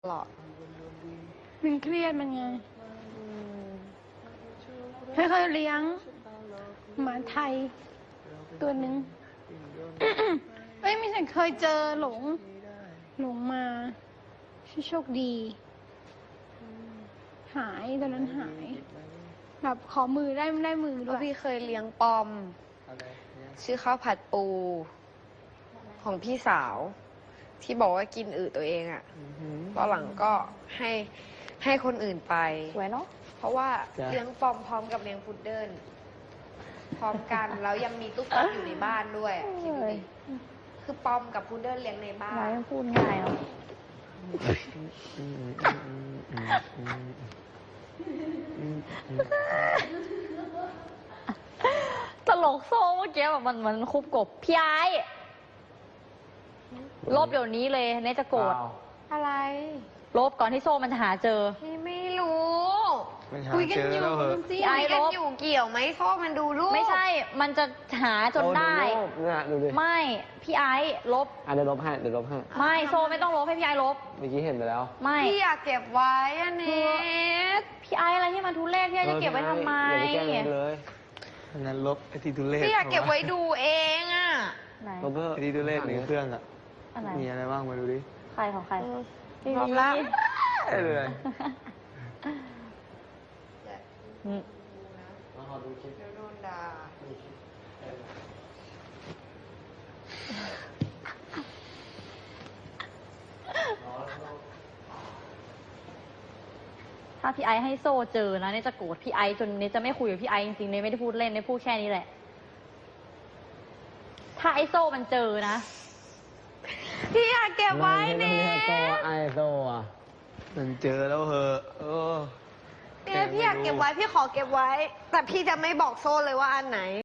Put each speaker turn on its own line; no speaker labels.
ตลอด
มันเครียดมันไงให้เขาเลี้ยงหมาไทยตัวหนึ่งเอ้ยไม่ใช่เคยเจอหลงมาชื่อโชคดี หายตอนนั้นหายแบบขอมือได้มือ
เพ
ด้ว
ราะ
ย
พี่เคยเลี้ยงปอม ชื่อข้าวผัดปู ของพี่สาว ที่บอกว่ากินอึตัวเองอะตอนหลังก็ให้คนอื่นไป
สวยเนาะ
เพราะว่าเลี้ยงปอมพร้อมกับเลี้ยงพุดเดิ้ลพร้อมกัน แล้วยังมีตุ๊กตาอยู่ในบ้านด้วยอะคิดดูดิคือปอมกับพุดเดิ้ลเลี้ยงในบ้า
ไว้
น
พูดง่ายเนาะตลกโซ่เมื่อกี้แบบมันคุบกบพี่ไอ้ลบเดี๋ยวนี้เลยเนจะโกรธ
อะไร
ลบก่อนที่โซ่มันจะหาเจอ
พี่ไม่รู้
คุยกันอยู่สิ
ไอ้
คุย
ล
กัน
บ
อยู่เกี่ยวไหมโซ่มันดูรูป
ไม่ใช่ มันจะหาจนได้
เนี่ยดูดิ
ไม่ พี่ไอ้ลบ
เดี๋ยวลบให้
ไม่โซ่ไม่ต้องลบให้พี่ไอ้ลบ
เมื่อกี้เห็นไปแล้ว
ไม่
พี่อยากเก็บไว้อันนี้
พี่ไอ้อะไรที่มันทุเรศพี่ไอ้จะเก็บไว้ทำไม
อย่าไปแกล้งมันเลย
อันนั้นลบไอที่ทุเรศ
พี่อยากเก็บไว้ดูเองอ่ะ
ไหน
ลบเถอะ
ไอที่ทุเรศในเครื่องอ่ะ
อะไร
มีอะไรบ้างมาดูดิ
ใครของใคร
พร้อมละ
ได้เลย
อืม
เดี๋ยวโดนด่า
ถ้าพี่ไอซ์ให้โซ่เจอนะเนี่ยจะโกรธพี่ไอซ์จนเนี่ยจะไม่คุยกับพี่ไอซ์จริงๆเนี่ยไม่ได้พูดเล่นเนี่ยพูดแค่นี้แหละ ถ้าไอโซ่มันเจอนะ
พี่อยากเก็บไว้เนี่ย
ไอโซอ่ะ
มันเจอแล้วเหอะโอ้
เนี่ยพี่อยากเก็บไว้พี่ขอเก็บไว้ แต่พี่จะไม่บอกโซ่เลยว่าอันไหน